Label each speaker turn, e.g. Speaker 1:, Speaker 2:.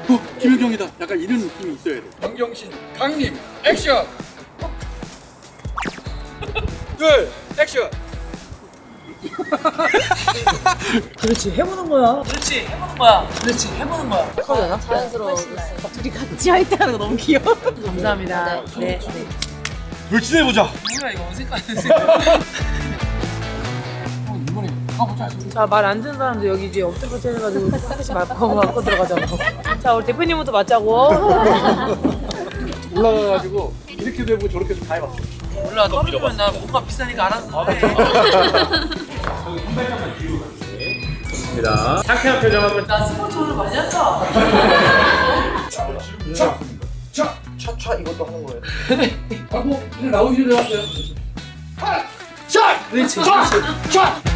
Speaker 1: 김연경이다. 약간 이런 느낌이 있어야 돼.
Speaker 2: 강경신 강님 액션. 둘 액션.
Speaker 3: 그렇지 해보는 거야. 그렇지 해보는 거야. 그렇지 해보는 거야. 하잖아.
Speaker 4: 자연스러워.
Speaker 3: 둘이 같이 화이팅하는 거 너무 귀여워. 감사합니다. 네.
Speaker 1: 돌진해보자.
Speaker 3: 뭐야 이거 어색한 자, 말 안 듣는 사람들 여기 이제 엎드려 뻗쳐 해가지고 하나씩 맞고 들어가자고. 자, 우리 대표님부터 맞자고.
Speaker 1: 올라가가지고 이렇게 되고 저렇게 다 해봤어.
Speaker 3: 몰라, 떨어지면 나 뭔가 비싸니까 알아서 해.
Speaker 1: 좋습니다. 상쾌한 표정 한번.
Speaker 3: 나 스포츠 오늘 많이 한다.
Speaker 2: 차차 이것도 하는 거예요.
Speaker 1: 하고 그냥 나오기 전에 왔어요.
Speaker 3: 그렇지, 그렇지.